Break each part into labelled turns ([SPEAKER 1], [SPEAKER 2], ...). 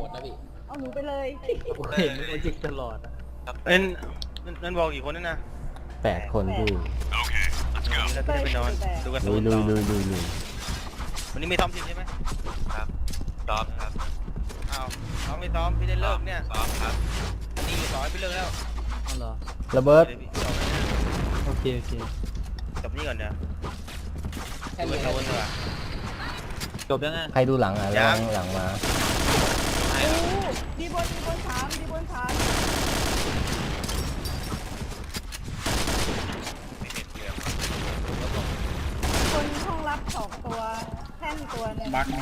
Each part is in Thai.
[SPEAKER 1] ดนะพี่
[SPEAKER 2] เอาหนูไปเลย
[SPEAKER 3] เห็นมันจิกตลอดอะ
[SPEAKER 4] นั่นบอกกี่คนนั่นนะ
[SPEAKER 5] 8 คนพี่
[SPEAKER 4] เราจะได้ไปนอนดูกัน
[SPEAKER 5] ลุยลุยลุยลุยลุย
[SPEAKER 4] วันนี้ไม่ซ้อมทีมใช่ไหม
[SPEAKER 6] ครับซ้อมครับ
[SPEAKER 4] อ้าวซ้อมไม่ซ้อมพี่ได้เลิกเนี่ย
[SPEAKER 6] ซ้อมครับ
[SPEAKER 4] นี่สอนพี่เลิกแล้ว
[SPEAKER 3] เอาเหรอ
[SPEAKER 5] ระเบิด
[SPEAKER 3] โอเค
[SPEAKER 4] จบนี่ก่อนเดี๋ยว
[SPEAKER 1] แค่
[SPEAKER 4] ดู
[SPEAKER 1] นี้
[SPEAKER 4] กันโดนดีกว่า
[SPEAKER 3] จบยังไง
[SPEAKER 5] ใครดูหลังอ่ะระวังหลังมา
[SPEAKER 2] โอ้ดีบนถามดีบนถาม
[SPEAKER 6] ไม่เห็นเรื่อง
[SPEAKER 2] คนห้องรับ2 ตัวแท่นตัวหนึง
[SPEAKER 7] บักมี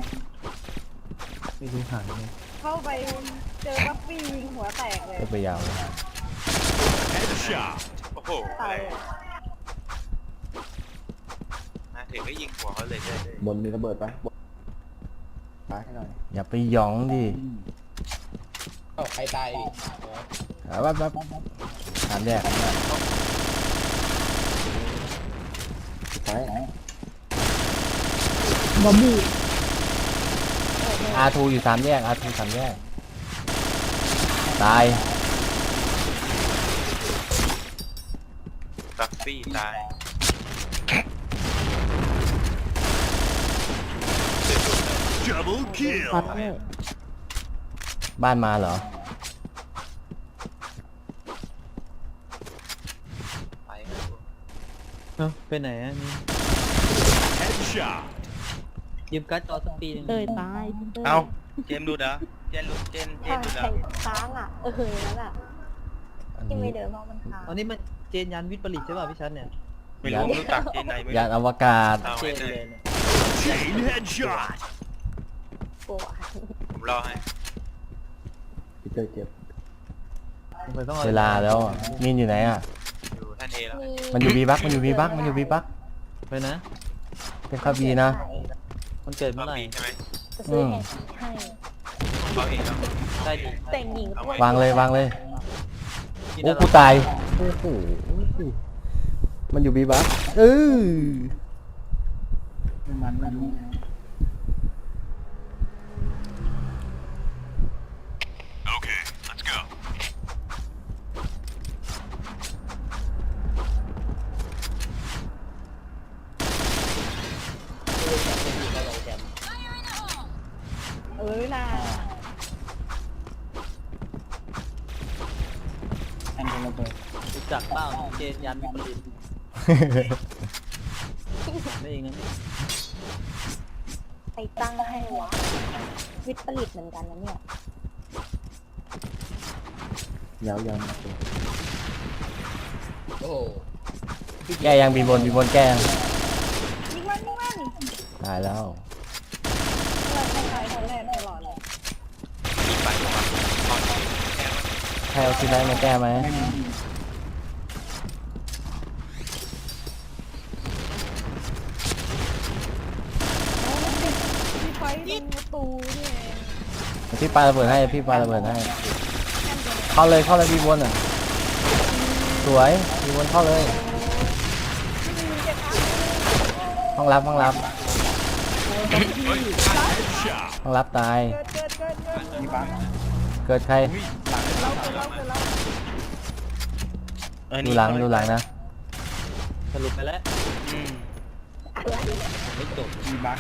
[SPEAKER 3] ไม่ดูหางเลย
[SPEAKER 2] เข้าไปเจอบัฟฟี่ยิงหัวแตกเลย
[SPEAKER 5] ก็ไปยาว
[SPEAKER 6] โอ้โห
[SPEAKER 2] ตาย
[SPEAKER 6] มาถึงก็ยิงหัวเขาเลยเลย
[SPEAKER 7] บนมีระเบิดปะปาให้หน่อย
[SPEAKER 5] อย่าไปหยองดิ
[SPEAKER 1] เอ้าใครตายดิ
[SPEAKER 5] แป๊บถามแยก
[SPEAKER 7] ซ้ายไหน
[SPEAKER 5] R2 อยู่3 แยก R2 3 แยก ตาย
[SPEAKER 6] บัฟฟี่ตาย
[SPEAKER 5] บ้านมาเหรอ
[SPEAKER 6] ไปครับ
[SPEAKER 3] เอ้าไปไหนอ่ะนี่ยืมการ์ดจอสักปีหนึง
[SPEAKER 2] เตยตายพี่เตย
[SPEAKER 4] เอาเจมส์ดูดเหรอเจนดูเจนดูดเหรอ
[SPEAKER 2] ค้างอ่ะนั่นอ่ะ
[SPEAKER 5] อัน
[SPEAKER 2] ที่
[SPEAKER 5] นี้
[SPEAKER 2] ไม่เดินเพราะมันค้าง
[SPEAKER 3] อันนี้มันเจนยันวิทย์ผลิตใช่ป่ะพี่ชันเนี่ย
[SPEAKER 4] ไม่รู้รู้จักเจนไหนไม่
[SPEAKER 5] ยานอวกาศ
[SPEAKER 6] เอา
[SPEAKER 3] เจ
[SPEAKER 6] ไว้
[SPEAKER 3] น
[SPEAKER 6] เล
[SPEAKER 3] เลย ยเนี่ย
[SPEAKER 2] ปวด
[SPEAKER 6] ผมรอให้
[SPEAKER 7] พี่เจอเจ็บ
[SPEAKER 3] ผมไปต้องอ
[SPEAKER 5] เวลาแล้วอะมีนอยู่ไหนอ่ะ
[SPEAKER 6] อยู่ท่านเอแล้ว
[SPEAKER 5] มันอยู่บีบักมันอยู่บีบักมันอยู่บีบัก
[SPEAKER 3] ไปนะ
[SPEAKER 5] เป็นข้าบีนะ
[SPEAKER 3] มันเกิด
[SPEAKER 6] รอ
[SPEAKER 3] เมื่อไหร่
[SPEAKER 6] บีใช่ไหม
[SPEAKER 2] จะซื้อแฮชให้
[SPEAKER 6] เขาเองแล้ว
[SPEAKER 3] ได้ดิ
[SPEAKER 2] แต่งหญิง
[SPEAKER 5] วางเลยวางเลย
[SPEAKER 3] กิน
[SPEAKER 5] โอ้
[SPEAKER 3] ได้
[SPEAKER 5] กูตาย โอ้โห มันอยู่บีบัก
[SPEAKER 7] ไม่มันไม่รู้
[SPEAKER 2] น่า
[SPEAKER 7] แอนเป็นระเบิด
[SPEAKER 3] รู้จักเปล่าเจนยันวิทย์ผลิตไม่เองนะ
[SPEAKER 2] ไปตั้งให้วะวิทย์ผลิตเหมือนกันนะเนี่ย
[SPEAKER 7] ยาว
[SPEAKER 1] โอ้โห
[SPEAKER 5] แก้ยังบีบนแก้ยัง
[SPEAKER 2] ยิงมัน
[SPEAKER 5] ตายแล้ว
[SPEAKER 2] เราต้องตายคนแรกตลอดเลย
[SPEAKER 6] มีไปว่าตอนนี้แค่ว่า
[SPEAKER 5] ใครเอาซีไลท์มาแก้ไหม
[SPEAKER 2] พี่ไฟตรงประตูนี่เอง
[SPEAKER 5] พี่ปาระเบิดให้พี่ปาระเบิดให้เข้าเลยบีบนอ่ะ สวยบีบนเข้าเลย ห้องรับห้องรับตาย
[SPEAKER 2] เกิด
[SPEAKER 7] มีบัก
[SPEAKER 5] เกิดใคร ดูหลังนะ
[SPEAKER 3] สรุปไปแล้ว
[SPEAKER 4] อืม
[SPEAKER 3] ไม่จบ
[SPEAKER 7] มีบัก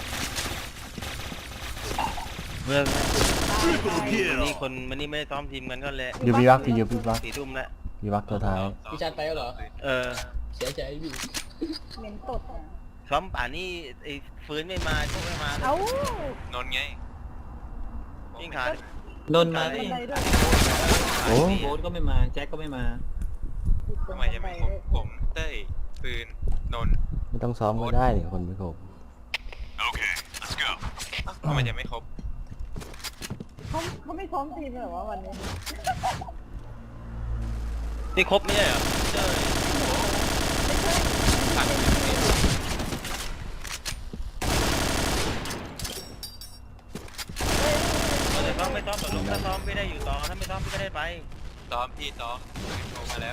[SPEAKER 4] เมื่อวันนี้คนวันนี้ไม่ได้ซ้อมทีมกันก็แหละ
[SPEAKER 5] อยู่บีบักอยู่บีบัก
[SPEAKER 4] 4 ทุ่มแล้ว
[SPEAKER 5] บีบักตัวท้าย
[SPEAKER 1] พี่ชันไปแล้วเหรอ
[SPEAKER 4] เออ
[SPEAKER 1] เสียใจพี่
[SPEAKER 2] เหม็นตดอ่ะ
[SPEAKER 4] ซ้อมป่านนี้ไอ้ฟื้นไม่มาพวกไม่มา
[SPEAKER 2] เอ้าน
[SPEAKER 6] นท์ไง
[SPEAKER 4] ยิ่งขาด
[SPEAKER 3] นนท์มา
[SPEAKER 2] บั
[SPEAKER 3] ก็
[SPEAKER 2] น
[SPEAKER 3] ยัง
[SPEAKER 2] ไดด้วย
[SPEAKER 5] โอ้
[SPEAKER 3] โบ๊ทก็ไม่มาแจ็คก็ไม่มา
[SPEAKER 6] ทำไมจะไม่ครบผมเต้ยปืนนนท์
[SPEAKER 5] ไม่ต้องซ้อมก็ได้เดี๋ยวคนไม่ครบ
[SPEAKER 6] ทำไมจะไม่ครบ
[SPEAKER 2] เขาไม่ซ้อมทีมเลยเหรอวะวันนี้
[SPEAKER 4] นี่ครบไม่ใช่เหรอเจ้ย
[SPEAKER 6] ผ่านไปเลย
[SPEAKER 4] ซ้อมไม่ซ้อมต่อลูกถ้าซ้อมไม่ได้อยู่ต่อถ้าไม่ซ้อมพี่ก็ได้ไป
[SPEAKER 6] ซ้อมพี่ซ้อมโทรมาแล้ว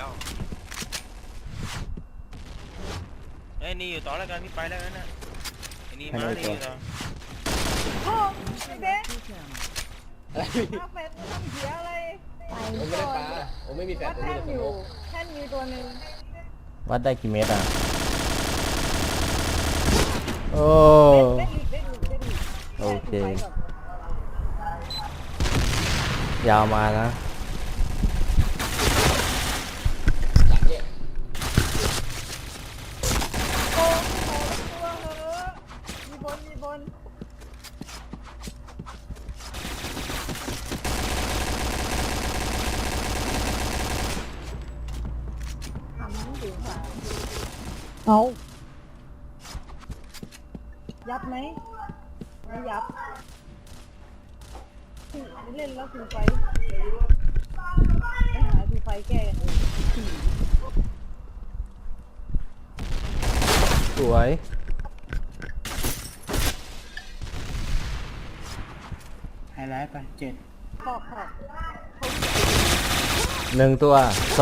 [SPEAKER 4] ไอ้นี่อยู่ต่อแล้วกันพี่ไปแล้วนะไอ้นี่มานี่อยู่ต่อ
[SPEAKER 2] พ่อไอ้เบ๊
[SPEAKER 1] อะไรพี่
[SPEAKER 2] ปาแฟดมันทำเสียอะไร
[SPEAKER 1] ผมไม่ได้ปลาผมไม่มีแฟล
[SPEAKER 2] วั
[SPEAKER 1] ช
[SPEAKER 2] ด
[SPEAKER 1] ผมมี
[SPEAKER 2] แท่น
[SPEAKER 1] แต่
[SPEAKER 2] อ
[SPEAKER 1] ส
[SPEAKER 2] ยู่
[SPEAKER 1] โมก
[SPEAKER 2] แท่นมีตัวหนึ่ง
[SPEAKER 5] วัดได้กี่เมตรอ่ะ โอ้
[SPEAKER 2] เล่นลีก
[SPEAKER 5] โอเค
[SPEAKER 2] ไปก่อน
[SPEAKER 5] ยาวมานะ
[SPEAKER 1] จัดเนี่ย
[SPEAKER 2] โอ้โหตัวเหอะมีบนทำมันถึงค่ะเอายับไหมไม่ยับเล่นแล้วคือไฟไปหาคือไฟแก้กันเอง
[SPEAKER 5] สวย
[SPEAKER 7] ไฮไลท์ไป7
[SPEAKER 2] ขอบ
[SPEAKER 5] 1 ตัว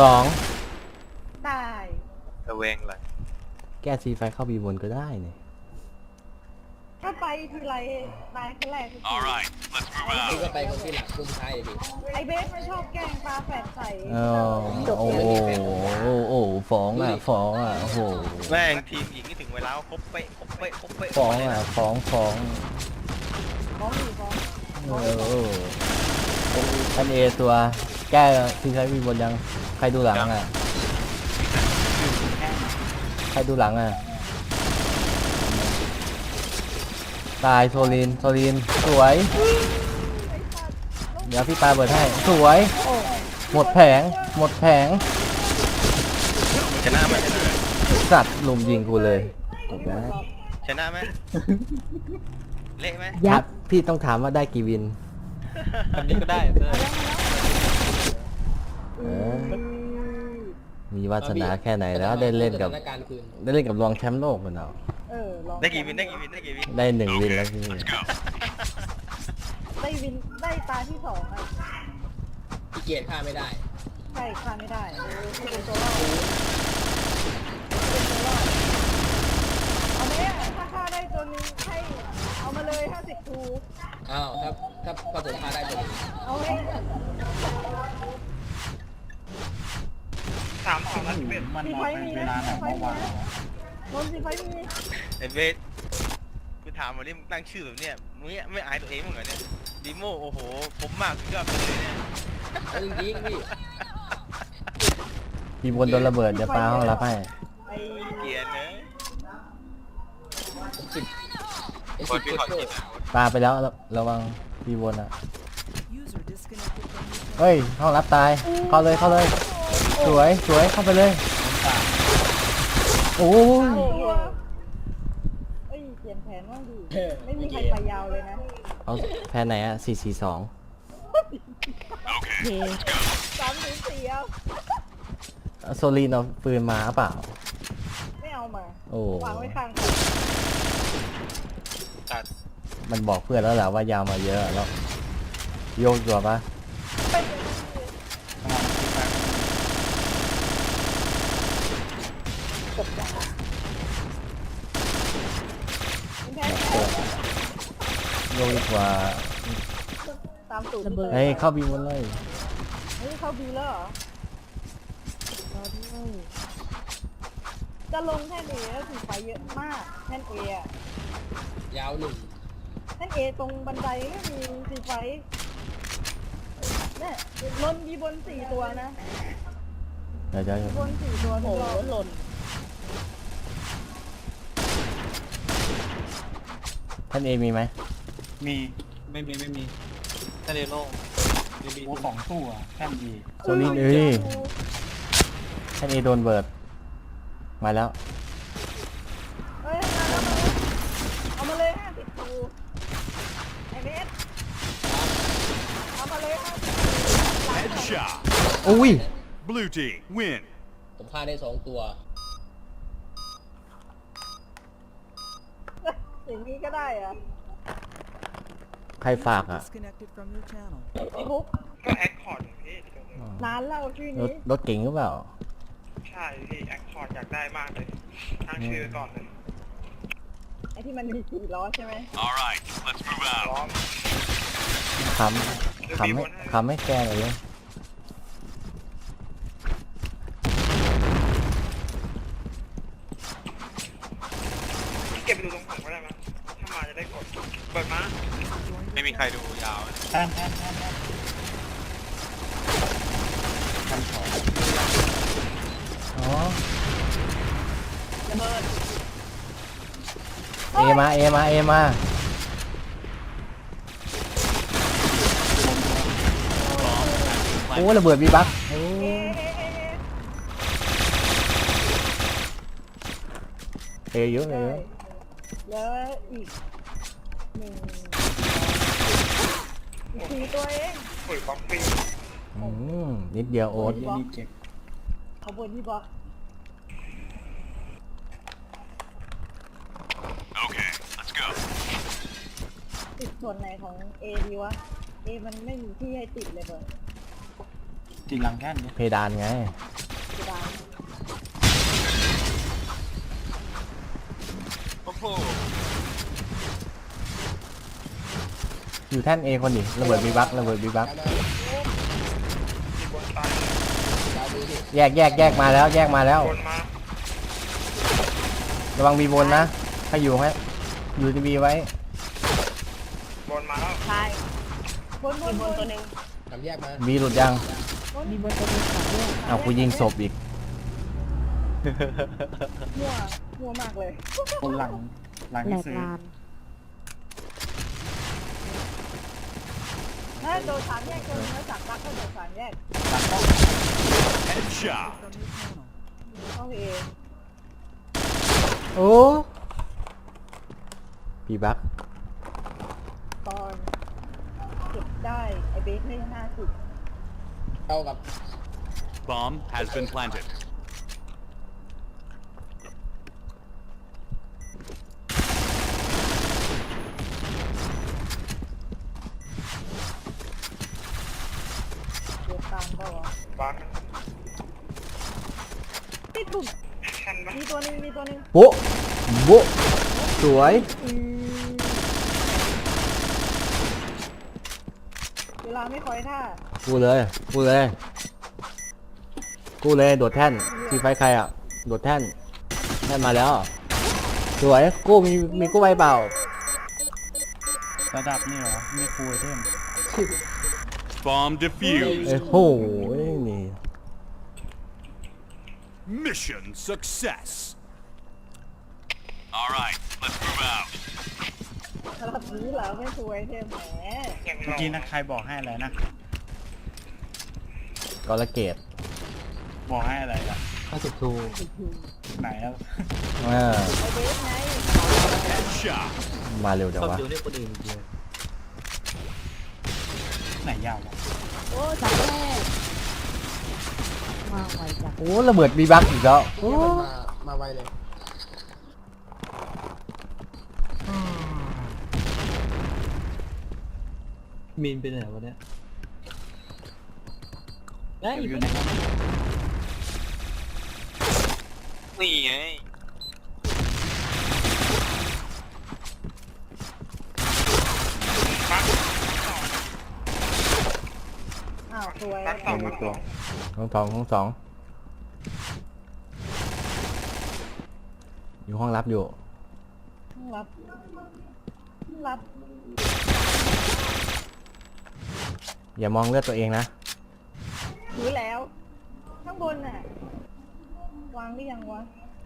[SPEAKER 5] 2
[SPEAKER 2] ตาย
[SPEAKER 6] ระเวงเลย
[SPEAKER 5] แก้ซีไฟเข้าบีบนก็ได้เนี่ย
[SPEAKER 2] ถ้าไปทีไรตายคนแรกทุกที
[SPEAKER 1] พี่ก็ไปคนที่หลังคนสุดท้ายพี่
[SPEAKER 2] ไอเบสมันชอบแกล้งปลาแฝดใส่
[SPEAKER 5] โอ้โหฟ้องอ่ะ โอ้โห
[SPEAKER 4] แม่งทีมหญิงนี่ถึงเวลาครบเป๊ะครบเป๊ะครบเป๊ะ
[SPEAKER 5] ฟ้องอ่ะ ฟ้อง
[SPEAKER 2] ฟ้องอยู่ฟ้อง
[SPEAKER 5] ท่านเอตัว แก้ซีไฟบีบนยัง ใครดูหลังอ่ะ ใครดูหลังอ่ะ ตายโซลิน สวย เดี๋ยวพี่ปาเปิดให้ สวย หมดแผง
[SPEAKER 4] ชนะไหม
[SPEAKER 5] สัตว์ลุมยิงกูเลยจบแล้ว
[SPEAKER 4] ชนะไหมเละไหม
[SPEAKER 5] ครับพี่ต้องถามว่าได้กี่วิน
[SPEAKER 3] แบบนี้ก็ได้เต้ย
[SPEAKER 5] เออ มีวาสนาแค่ไหนแล้วได้เล่นกับ
[SPEAKER 1] สถานการณ์คืน
[SPEAKER 5] ได้เล่นกับรองแชมป์โลกมันเอา
[SPEAKER 2] ลอง
[SPEAKER 4] ได้กี่วิน
[SPEAKER 5] ได้1 วินแล้วพี่
[SPEAKER 2] ได้วินได้ตาที่2อ่ะ
[SPEAKER 1] พี่เกียรติฆ่าไม่ได้
[SPEAKER 2] ใช่ฆ่าไม่ได้ไม่เป็นตัวรอดเอาไหมอ่ะถ้าฆ่าได้ตัวนึงให้เอามาเลย50ทู
[SPEAKER 1] อ้าวถ้าผมฆ่าได้ตัวนี้
[SPEAKER 2] เอาให้
[SPEAKER 7] มันออกไปเวลาไหนเมื่อวาน
[SPEAKER 2] โดนสีไฟมี
[SPEAKER 4] ไอ้เบสกูถามวันนี้มึงตั้งชื่อแบบเนี้ยมึงไม่อายตัวเองมั้งเหรอเนี่ยดีโมโอ้โหผมมากสุดยอดไปเลยเนี่ย
[SPEAKER 1] เอาจริงๆพี่
[SPEAKER 5] พี่บนโดนระเบิดเดี๋ยวปาห้องรับให้
[SPEAKER 2] ไอ้
[SPEAKER 4] เกลียดเนอะ
[SPEAKER 1] สิบไอ้
[SPEAKER 6] บ
[SPEAKER 1] สิ
[SPEAKER 6] น
[SPEAKER 1] บ
[SPEAKER 6] พี่
[SPEAKER 1] เจ็ด
[SPEAKER 6] ขอ
[SPEAKER 1] โจ้
[SPEAKER 6] กินนะ
[SPEAKER 5] ปาไปแล้วระวังพี่บนอ่ะ เฮ้ย ห้องรับตาย เข้าเลย สวยเข้าไปเลย โอ้ย
[SPEAKER 2] ตัวเอ้ยเปลี่ยนแผนบ้างดิไม่มีใครไปยาวเลยนะ
[SPEAKER 5] เอาแพ้ไหนอ่ะ 4-4-2
[SPEAKER 2] 3-4เอา
[SPEAKER 5] โซลีนเอาปืนมาเปล่า
[SPEAKER 2] ไม่เอามา
[SPEAKER 5] โอ้
[SPEAKER 2] วางไว้ข้าง
[SPEAKER 6] ตัด
[SPEAKER 5] มันบอกเพื่อนแล้วแหละว่ายาวมาเยอะแล้วโยกตัวปะ
[SPEAKER 2] แค่
[SPEAKER 5] โยกดีกว่า
[SPEAKER 2] ตามสูตรระเบิด
[SPEAKER 5] เฮ้ย เข้าบีบนเลย
[SPEAKER 2] เฮ้ยเข้าบีแล้วเหรอจะลงแท่นเอแล้วถือไฟเยอะมากแท่นเออะ
[SPEAKER 1] ยาว1
[SPEAKER 2] แท่นเอตรงบันไดก็มีสีไฟเนี่ยล้นมีบน4ตัวนะ
[SPEAKER 5] เดี๋ยว
[SPEAKER 2] บน4ตัวโอ้หล่น
[SPEAKER 5] ท่านเอมีไหม
[SPEAKER 7] มี
[SPEAKER 3] ไม่มีทะเลโล่งมีบี
[SPEAKER 7] โอ้2ตู้อ่ะแค่ดี
[SPEAKER 5] โซลีนเอ้ยท่านเอโดนเบิร์ดมาแล้ว
[SPEAKER 2] เฮ้ยมาแล้วเอามาเลย50ทูไอเมสเอามาเลย50
[SPEAKER 8] Headshot.
[SPEAKER 5] อุ้ย
[SPEAKER 8] Blue team win.
[SPEAKER 1] ผมฆ่าได้2 ตัว
[SPEAKER 2] อย่างนี้ก็ได้อะ
[SPEAKER 5] ใครฝากอ่ะ
[SPEAKER 2] ไอ้บุ๊ก
[SPEAKER 6] ก็แอคคอร์ดพี่
[SPEAKER 2] นานแล้วชื่อ
[SPEAKER 5] รถ
[SPEAKER 2] นี้
[SPEAKER 5] รถเก่งหรือเปล่า
[SPEAKER 6] ใช่พี่แอคคอร์ดอยากได้มากเลยตั้งชื่อก่อนเลย
[SPEAKER 2] ไอ้ที่มันมี4 ล้อใช่ไหม
[SPEAKER 8] All right, let's move out.
[SPEAKER 6] ร้อง
[SPEAKER 5] ทำขำให้แกหน่อยเลย
[SPEAKER 4] เก็บไปดูตรงผมก็ได้มั้ยถ้ามาจะได้กดเปิดมา
[SPEAKER 6] ไม่มีใครดูยาวนะ
[SPEAKER 7] แท่นแท่นแท่นแท่นชั้นสอง
[SPEAKER 5] อ๋อ
[SPEAKER 2] ระเบิด
[SPEAKER 5] เอมาเอมาเอมาโอ้ระเบิดบีบักโอ้
[SPEAKER 2] เอ๊ะ
[SPEAKER 5] เอเยอะเลย
[SPEAKER 2] แล้วอีกหนึ่งสี่ตัวเอง
[SPEAKER 5] นิดเดียวโอ๊ต
[SPEAKER 7] เหี้ยนี่เจ็บ
[SPEAKER 2] ขบวนที่บล็อก
[SPEAKER 8] Okay, let's go.
[SPEAKER 2] ติดส่วนไหนของ A ดีวะ A มันไม่มีที่ให้ติดเลยเบอร์
[SPEAKER 7] ติดหลังแท่นดิ
[SPEAKER 5] เพดานไง
[SPEAKER 2] กระดาน
[SPEAKER 6] โอ้โห
[SPEAKER 5] อยู่แท่นเอคนดิระเบิดบีบักระเบิดบีบัก
[SPEAKER 1] ยาวดูดิ
[SPEAKER 5] แยกมาแล้วแยกมาแล้ว ระวังบีบนนะถ้าอยู่ให้อยู่ที่บีไว้
[SPEAKER 2] ใช่บนตัวหนึ่ง
[SPEAKER 1] ทำแยกมา
[SPEAKER 5] บีหลุดยัง
[SPEAKER 2] มีบนตัวหนึ่งสามด้วย
[SPEAKER 5] เอากูยิงศพอีก
[SPEAKER 2] มั่วมากเลย
[SPEAKER 7] คนหลังที่ซื้อ
[SPEAKER 2] ถ้าโดนสามแยกตัวนึงแล้วจับรักก็โดนสามแยก
[SPEAKER 8] Headshot.
[SPEAKER 2] เข้าเอ
[SPEAKER 5] โอ้บีบัก
[SPEAKER 2] ตอนเก็บได้ไอเบสให้50
[SPEAKER 1] เท่ากับ
[SPEAKER 8] Bomb has been planted.
[SPEAKER 2] เดี๋ยวตามเปล่าวะติดปุ่มมีตัวหนึ่ง
[SPEAKER 5] โบ๊ะโบ๊ะสวย
[SPEAKER 2] เวลาไม่คอยท่า
[SPEAKER 5] กูเลยโดดแท่นทีไฟใครอ่ะโดดแท่นมาแล้วสวยกู้มีกู้ใบเปล่า
[SPEAKER 7] ระดับนี่เหรอนี่ฟูลไอเทม
[SPEAKER 8] Bomb
[SPEAKER 5] เอ้
[SPEAKER 8] defused.
[SPEAKER 5] โหนี่
[SPEAKER 8] Mission success. All right, let's move out.
[SPEAKER 2] ระดับนี้เหรอไม่สวยเทมแหม
[SPEAKER 7] เมื่อกี้นะใครบอกให้อะไรนะ
[SPEAKER 5] กอลเกต
[SPEAKER 7] บอกให้อะไรล่ะ
[SPEAKER 5] 52
[SPEAKER 7] ไหนแล้ว
[SPEAKER 5] เออ
[SPEAKER 2] ไอเบสไง
[SPEAKER 8] Headshot.
[SPEAKER 5] มาเร็วจังวะ
[SPEAKER 7] ไหนยาววะ
[SPEAKER 2] โอ้สามแยกมาไวจัง
[SPEAKER 5] โอ้ระเบิดบีบักอีกแล้ว
[SPEAKER 1] เนี้ยมันมาไวเลย
[SPEAKER 3] มีนไปไหนวะเนี่ยได้
[SPEAKER 7] อยู่ในนั้น
[SPEAKER 6] นี่ไง
[SPEAKER 2] อ้าวสวย
[SPEAKER 7] มีตัว
[SPEAKER 5] ห้องสองอยู่ห้องรับอยู่
[SPEAKER 2] รับ
[SPEAKER 5] อย่ามองเลือดตัวเองนะ
[SPEAKER 2] ถือแล้ว ข้างบนน่ะ วางหรือยังวะ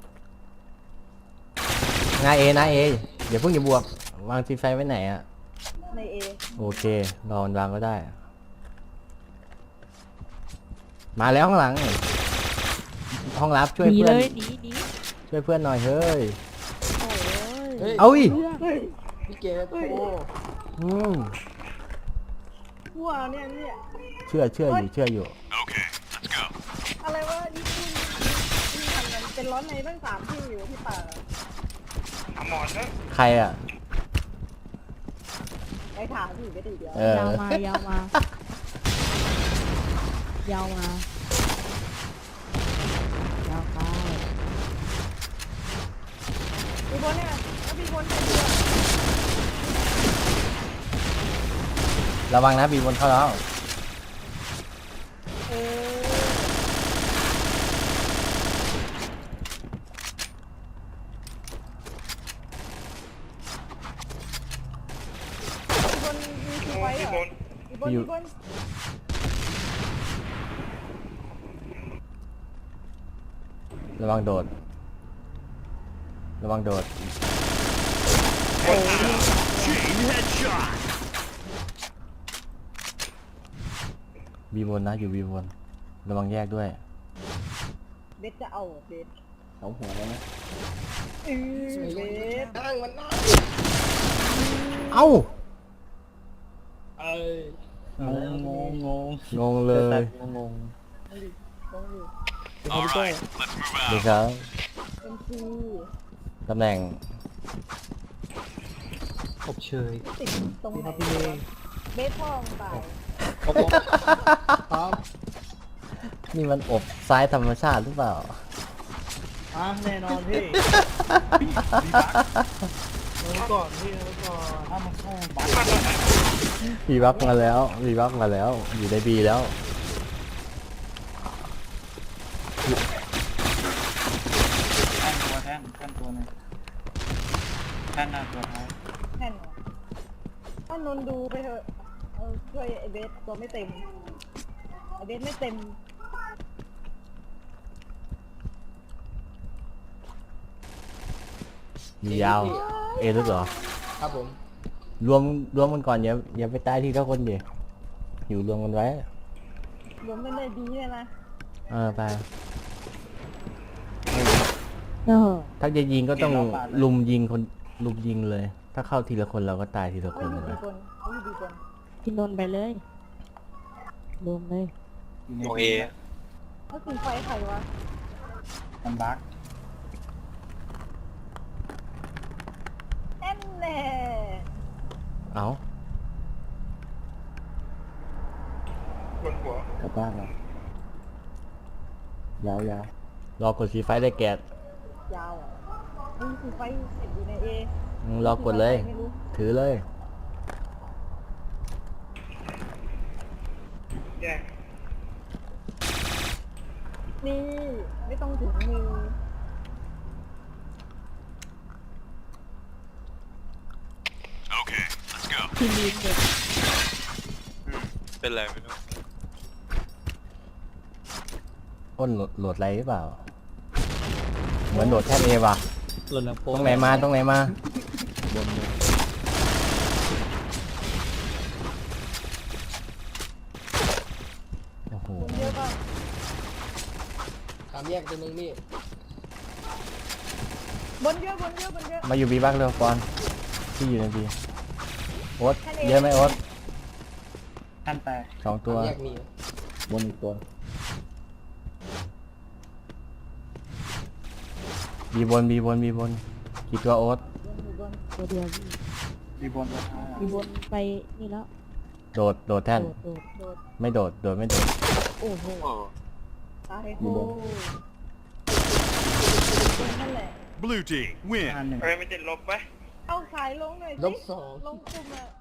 [SPEAKER 5] นาเออย่าเพิ่งอย่าบวก วางทีไฟไว้ไหนอ่ะ
[SPEAKER 2] ในเอ
[SPEAKER 5] โอเครอมันวางก็ได้ มาแล้วข้างหลัง ห้องรับช่วยเพื่อนช่วยเพื่อนหน่อยเฮ้ย
[SPEAKER 1] เฮ้ย
[SPEAKER 5] เอาอีก
[SPEAKER 2] เฮ้ย
[SPEAKER 1] พี่เกดโอ้
[SPEAKER 2] วัวเนี่ย
[SPEAKER 5] เชื่ออยู่
[SPEAKER 8] Okay, let's go.
[SPEAKER 2] อะไรวะนี่ทำกันเป็นร้อนในตั้ง3ที่อยู่ที่ป่า
[SPEAKER 5] ใครอ่ะ
[SPEAKER 2] ไปถามพี่ก็ดีเดียว
[SPEAKER 5] เออ
[SPEAKER 2] ยาวมา ยาวมา ยาวไปมีบนเนี่ยแล้วมีบนเป็นเดียว
[SPEAKER 5] ระวังนะบีบนเข้าแล้ว
[SPEAKER 2] เออบนมีคือไฟเหรออยู่บน
[SPEAKER 5] ระวังโดด ระวังโดด
[SPEAKER 8] Chain headshot.
[SPEAKER 5] บีบนนะอยู่บีบนระวังแยกด้วย
[SPEAKER 2] เบสจะเอาเบส
[SPEAKER 5] เอาหัวแล้วนะ
[SPEAKER 2] เออเบส
[SPEAKER 1] นั่งมันนั่ง
[SPEAKER 5] เอ้า
[SPEAKER 1] เอ้ย
[SPEAKER 5] งงเลย
[SPEAKER 3] งง
[SPEAKER 2] ต้องอยู่
[SPEAKER 8] All right, let's move
[SPEAKER 5] ดี
[SPEAKER 8] out.
[SPEAKER 5] ครับ
[SPEAKER 2] เป็นซี
[SPEAKER 5] ตำแหน่ง
[SPEAKER 3] อบเชย
[SPEAKER 2] ติดตรงไหนเบสพ่อมึงตาย
[SPEAKER 3] โอ้โห
[SPEAKER 1] พร้อม
[SPEAKER 5] นี่มันอบซ้ายธรรมชาติหรือเปล่า
[SPEAKER 7] แน่นอนพี่
[SPEAKER 1] ก่อนพี่ก่อน
[SPEAKER 7] ถ้ามันเข้าบัต
[SPEAKER 5] บีบักมาแล้วบีบักมาแล้ว อยู่ในบีแล้ว
[SPEAKER 7] แท่นตัวนึงแท่นหน้าตัวท้าย
[SPEAKER 2] แน่นอนถ้านนท์ดูไปเถอะช่วยไอเบสตัวไม่เต็มไอเบสไม่เต็ม
[SPEAKER 5] มียาว เอลึกเหรอ
[SPEAKER 1] ครับผม
[SPEAKER 5] รวมกันก่อนอย่าไปตายที่ทุกคนดิอยู่รวมกันไว้
[SPEAKER 2] รวมกันเลยดีเลยนะ
[SPEAKER 5] ไปถ้าจะยิงก็ต้องลุมยิงเลย ถ้าเข้าทีละคนเราก็ตายทีละค
[SPEAKER 2] เขา
[SPEAKER 5] น
[SPEAKER 2] อยู่
[SPEAKER 5] เลย
[SPEAKER 2] ดีคนเขาอยู่ดีคน
[SPEAKER 9] พี่นนท์ไปเลยรวมเลย
[SPEAKER 7] อยู่ใน
[SPEAKER 3] โอเอ
[SPEAKER 2] เขากินไฟใครวะ
[SPEAKER 7] มันบัก
[SPEAKER 2] แอนแน่
[SPEAKER 5] เอา
[SPEAKER 4] บนหัว
[SPEAKER 5] กลับบ้านแล้วยาวรอกดสีไฟได้แกะ
[SPEAKER 2] ยาวอ่ะนี่คือไฟเสร็จอยู่ในเอ
[SPEAKER 5] รอกดเลย
[SPEAKER 2] ไม่รู้
[SPEAKER 5] ถือเลย
[SPEAKER 2] นี่ไม่ต้องถึงมือ
[SPEAKER 8] Okay, let's go.
[SPEAKER 6] เป็นไรไม่รู้
[SPEAKER 5] อ้นโหลดอะไรหรือเปล่า เหมือนโหลดแท่นเอว่ะ
[SPEAKER 3] หล่นหลังโป๊
[SPEAKER 5] ตรงไหนมาตรงไหนมา
[SPEAKER 3] บนเลย
[SPEAKER 5] โอ้โห
[SPEAKER 2] คนเยอะป่ะ
[SPEAKER 1] ตามแยกตัวนึงนี่
[SPEAKER 2] บนเยอะบนเยอะบนเยอะ
[SPEAKER 5] มาอยู่บีบักเร็วก่อนที่อยู่ในบีโอ๊ตเยอะไหมโอ๊ต
[SPEAKER 7] แท่นแตก
[SPEAKER 5] 2 ตัว
[SPEAKER 1] ตามแยกมี
[SPEAKER 5] บนอีกตัวบีบนกี่ตัวโอ๊ต
[SPEAKER 2] อยู่บน
[SPEAKER 9] ตัวเดียว
[SPEAKER 7] ดีบนตัวท้าย
[SPEAKER 9] มีบนไปนี่แล้ว
[SPEAKER 5] โดดแท่น
[SPEAKER 9] โดด
[SPEAKER 2] โดด
[SPEAKER 5] ไม่โดดไม่โดด
[SPEAKER 9] โอ้โห
[SPEAKER 6] โอ้
[SPEAKER 2] ตายโห
[SPEAKER 5] อยู่บน
[SPEAKER 2] นั่นแหละ
[SPEAKER 8] Blue team, win.
[SPEAKER 7] ท่านหนึ่ง
[SPEAKER 4] เอ้ยไม่ติดลบไหม
[SPEAKER 2] เอาสายลงหน่อยสิ
[SPEAKER 1] ลบ2
[SPEAKER 2] ลงกลุ่มอะ